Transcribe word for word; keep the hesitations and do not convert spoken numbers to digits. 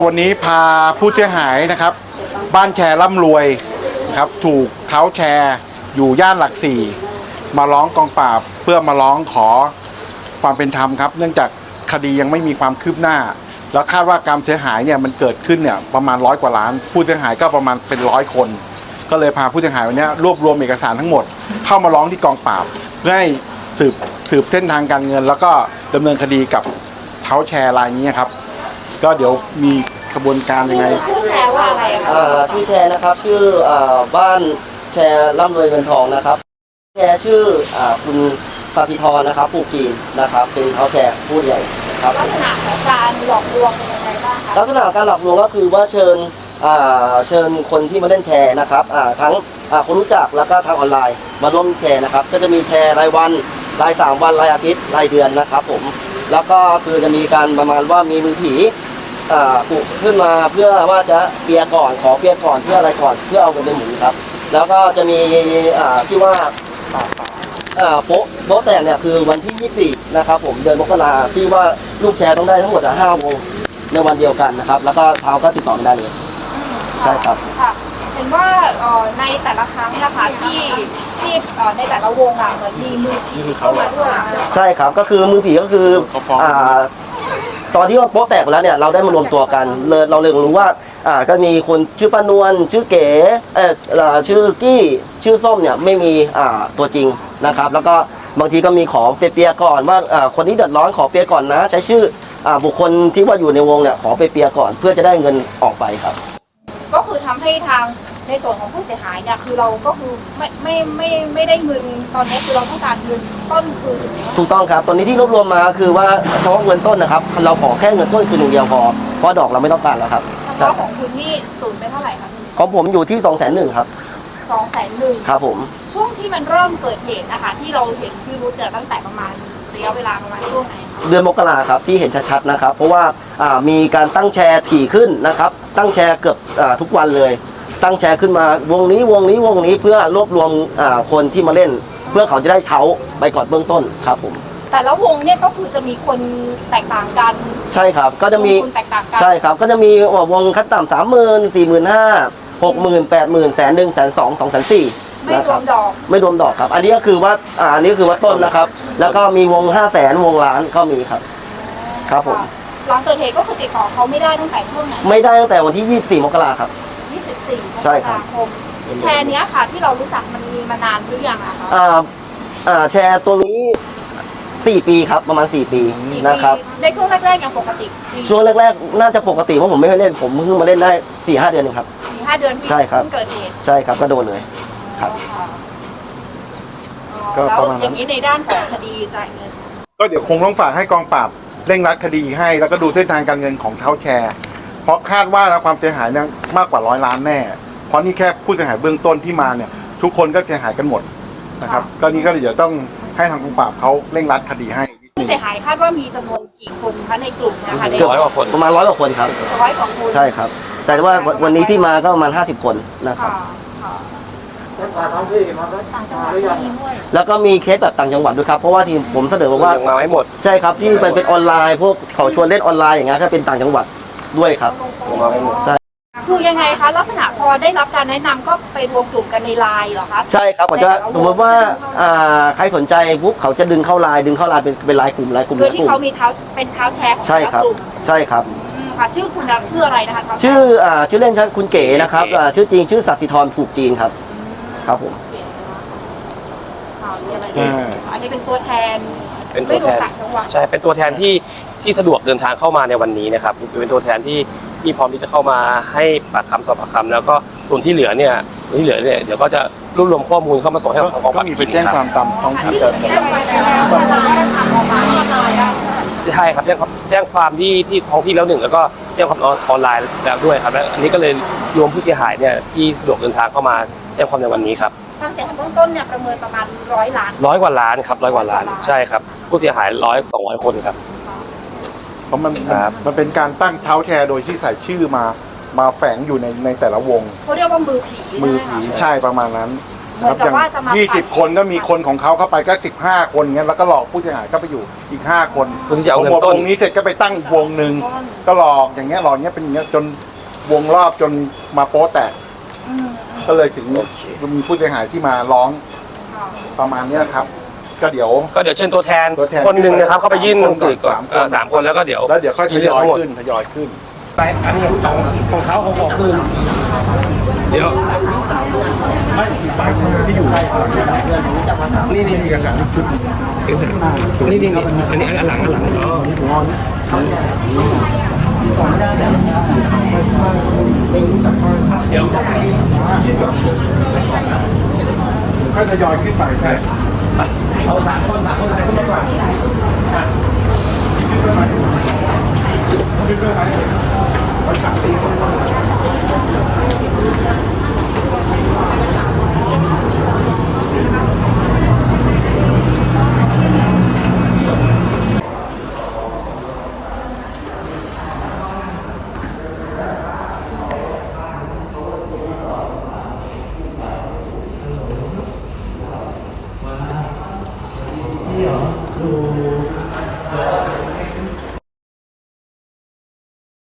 วันนี้พาผู้เสียหายนะครับบ้านแชร์ร่ำรวยนะครับถูกเท้าแชร์อยู่ย่านหลักสี่มาร้องกองปราบเพื่อมาร้องขอความเป็นธรรมครับเนื่องจากคดียังไม่มีความคืบหน้าแล้วคาดว่าการเสียหายเนี่ยมันเกิดขึ้นเนี่ยประมาณร้อยกว่าล้านผู้เสียหายก็ประมาณเป็นร้อยคนก็เลยพาผู้เสียหายวันนี้รวบรวมเอกสารทั้งหมดเข้ามาร้องที่กองปราบเพื่อให้สืบสืบเส้นทางการเงินแล้วก็ดำเนินคดีกับเท้าแชร์รายนี้ครับก็เดี๋ยวมีกระบวนการยังไงชื่อแชร์ว่าอะไรคะชื่อแชร์นะครับชื่อบ้านแชร์ร่ำรวยเงินทองนะครับแชร์ชื่อคุณสัติธรนะครับผูกจีนนะครับเป็นเท้าแชร์ผู้ใหญ่ครับลักษณะของการหลอกลวงเป็นยังไงบ้างคะลักษณะการหลอกลวงก็คือว่าเชิญเชิญคนที่มาเล่นแชร์นะครับทั้งคนรู้จักแล้วก็ทางออนไลน์มาร่วมแชร์นะครับก็จะมีแชร์รายวันรายสามวันรายอาทิตย์รายเดือนนะครับผมแล้วก็คือจะมีการประมาณว่ามีมือผีปลุกขึ้นมาเพื่อว่าจะเปียก่อนขอเปียก่อนเพื่ออะไรก่อนเพื่อเอาเงินในหมุนครับแล้วก็จะมีที่ว่าโป๊ะโป๊ะแต่เนี่ยคือวันที่ยี่สิบสี่นะครับผมเดือนมกราที่ว่าลูกแชร์ต้องได้ทั้งหมดห้าวงในวันเดียวกันนะครับแล้วก็เท้าก็ติดต่อได้เลยใช่ครับเห็นว่าในแต่ละครั้งนะคะที่ที่ในแต่ละวงอ่ะเหมือนมีมือผีเข้ามาด้วยใช่ครับก็คือมือผีก็คือตอนที่ว่าโป๊ะแตกแล้วเนี่ยเราได้มารวมตัวกันเลยเราเลยรู้ว่าอ่าก็มีคนชื่อป้านวลชื่อเก๋เออชื่อกี้ชื่อส้มเนี่ยไม่มีอ่าตัวจริงนะครับแล้วก็บางทีก็มีขอเปียๆก่อนว่าอ่าคนนี้เดือดร้อนขอเปียก่อนนะใช้ชื่ออ่าบุคคลที่ว่าอยู่ในวงเนี่ยขอเปียก่อนเพื่อจะได้เงินออกไปครับก็คือทำให้ทางในส่วนของผู้เสียหายเนี่ยคือเราก็คือไม่ไม่ไม่ไม่ได้เงินตอนนี้คือเราต้องการเงินต้นคืนถูกต้องครับตอนนี้ที่รวบรวมมาคือว่าเฉพาะเงินต้นนะครับเราขอแค่เงินต้นคืนหนึ่งเดียวพอเพราะดอกเราไม่ต้องการแล้วครับเฉพาะของคุณนี่สูญไปเท่าไหร่ครับของผมอยู่ที่สองแสนหนึ่งครับสองแสนหนึ่งครับผมช่วงที่มันเริ่มเกิดเหตุนะคะที่เราเห็นที่รู้เจอตั้งแต่ประมาณระยะเวลาประมาณช่วงไหนเดือนมกราครับที่เห็นชัดๆนะครับเพราะว่ามีการตั้งแชร์ถี่ขึ้นนะครับตั้งแชร์เกือบทุกวันเลยตั้งแชร์ขึ้นมาวงนี้วงนี้วงนี้เพื่อรวบรวมคนที่มาเล่นเพื่อเขาจะได้เท้าไปก่อนเบื้องต้นครับผมแต่ละวงเนี่ยก็คือจะมีคนแตกต่างกันใช่ครับก็จะมีใช่ครับก็จะมีวงขั้นต่ำสามหมื่นสี่หมื่นห้าหกหมื่นแปดหมื่นแสนหนึ่งแสนสองสองแสนสี่ไม่รวมดอกไม่รวมดอกครับอันนี้ก็คือว่าอันนี้คือว่าต้นนะครับแล้วก็มีวงห้าแสนวงล้านก็มีครับครับผมหลังเกิดเหตุก็คือติดต่อเขาไม่ได้ตั้งแต่ช่วงไหนไม่ได้ตั้งแต่วันที่ยี่สิบสี่มกราครับยี่สิบสี่มกราคมแชร์นี้ค่ะที่เรารู้จักมันมีมานานหรือยังอะคะอ่าอ่าแชร์ตัวนี้สี่ปีครับประมาณสี่ปีนะครับในช่วงแรกๆยังปกติช่วงแรกๆน่าจะปกติเพราะผมไม่เคยเล่นผมเพิ่งมาเล่นได้สี่ห้าเดือนเองครับสี่ห้าเดือนใช่ครับเกิดเหตุใช่ครับก็โดนเลยครับก็ประมาณนั้นอย่างนี้ในด้านของคดีจ่ายเงินก็เดี๋ยวคงต้องฝากให้กองปราบเร่งรัดคดีให้แล้วก็ดูเส้นทางการเงินของเท้าแชร์เพราะคาดว่าความเสียหายเนี่ยมากกว่าร้อยล้านแน่เพราะนี่แค่ผู้เสียหายเบื้องต้นที่มาเนี่ยทุกคนก็เสียหายกันหมดนะครับก็นี่ก็เดี๋ยวต้องให้ทางกองปราบเขาเร่งรัดคดีให้ผู้เสียหายคาดว่ามีจำนวนกี่คนคะในกลุ่มนะคะเกือบร้อยกว่าคนประมาณร้อยกว่าคนครับร้อยกว่าคนใช่ครับแต่ว่าวันนี้ที่มาก็ประมาณห้าสิบคนนะครับแล้วก็มีเคสแบบต่างจังหวัดด้วยครับเพราะว่าที่ผมเสนอว่ามาไม่หมดใช่ครับที่เป็นเป็นออนไลน์พวกเขาชวนเล่นออนไลน์อย่างเงี้ยก็เป็นต่างจังหวัดด้วยครับมาไม่หมดใช่คือยังไงคะลักษณะพอได้รับการแนะนำก็ไปรวมกลุ่มกันในไลน์เหรอคะใช่ครับผมจะสมมติว่าใครสนใจปุ๊บเขาจะดึงเข้าไลน์ดึงเข้าไลน์เป็นเป็นไลน์กลุ่มไลน์กลุ่มโดยที่เขามีเท้าเป็นเท้าแชร์ของใช่ครับใช่ครับค่ะชื่อคุณชื่ออะไรนะคะชื่อชื่อเล่นคุณเก๋นะครับชื่อจริงชื่อสัสิธรผูกจีนครับครับผมอันนี้เป็นตัวแทนเป็นตัวแทนใช่เป็นตัวแทนที่ที่สะดวกเดินทางเข้ามาในวันนี้นะครับเป็นตัวแทนที่ที่พร้อมที่จะเข้ามาให้ปากคำสอบปากคำแล้วก็ส่วนที่เหลือเนี่ยส่วนที่เหลือเนี่ยเดี๋ยวก็จะรวบรวมข้อมูลเข้ามาส่งให้กับกองปราบก็มีไปแจ้งความตามท้องที่เกิดเหตุใช่ครับแจ้งแจ้งความที่ที่ท้องที่แล้วหนึ่งแล้วก็แจ้งความออนไลน์แล้วด้วยครับและอันนี้ก็เลยรวมผู้เสียหายเนี่ยที่สะดวกเดินทางเข้ามาแจ้งความในวันนี้ครับความเสียหายเบื้องต้นเนี่ยประเมินประมาณร้อยล้านร้อยกว่าล้านครับร้อยกว่าล้านใช่ครับผู้เสียหายร้อยสองร้อยคนครับเพราะมันมันเป็นการตั้งเท้าแชร์โดยที่ใส่ชื่อมามาแฝงอยู่ในในแต่ละวงเขาเรียกว่ามือผีมือผีใช่ประมาณนั้นเหมือนกับว่าจะมายี่สิบคนก็มีคนของเขาเข้าไปก็สิบห้าคนเงี้ยแล้วก็หลอกผู้เสียหายเข้าไปอยู่อีกห้าคนเพื่อที่จะเอาเงินพอต้นวงนี้เสร็จก็ไปตั้งอีกวงหนึ่งก็หลอกอย่างเงี้ยหลอกเงี้ยเป็นอย่างเงี้ยจนวงรอบจนมาโป๊แตกอืมก็เลยถึงมีผู้เสียหายที่มาร้องค่ะประมาณเนี้ยครับ ก็เดี๋ยวก็เดี๋ยวเชิญตัวแทนตัวแทนคนหนึ่งนะครับเข้าไปยื่นหนังสือก่อนสามคนเอ่อสามคนแล้วก็เดี๋ยวแล้วเดี๋ยวค่อยทยอยขึ้นทยอยขึ้นไปอันนี้ของของเขาของของคืนเดี๋ยวไม่ไปที่อยู่นี่นี่เอกสารชุดเอกสารนี่นี่นี่อันนี้อันหลังอันหลังอ๋อเดี๋ยวค่อยทยอยขึ้นไปใช่เอาสามคนสามคนอะไรขึ้นมาก่อนขึ้นไปไหม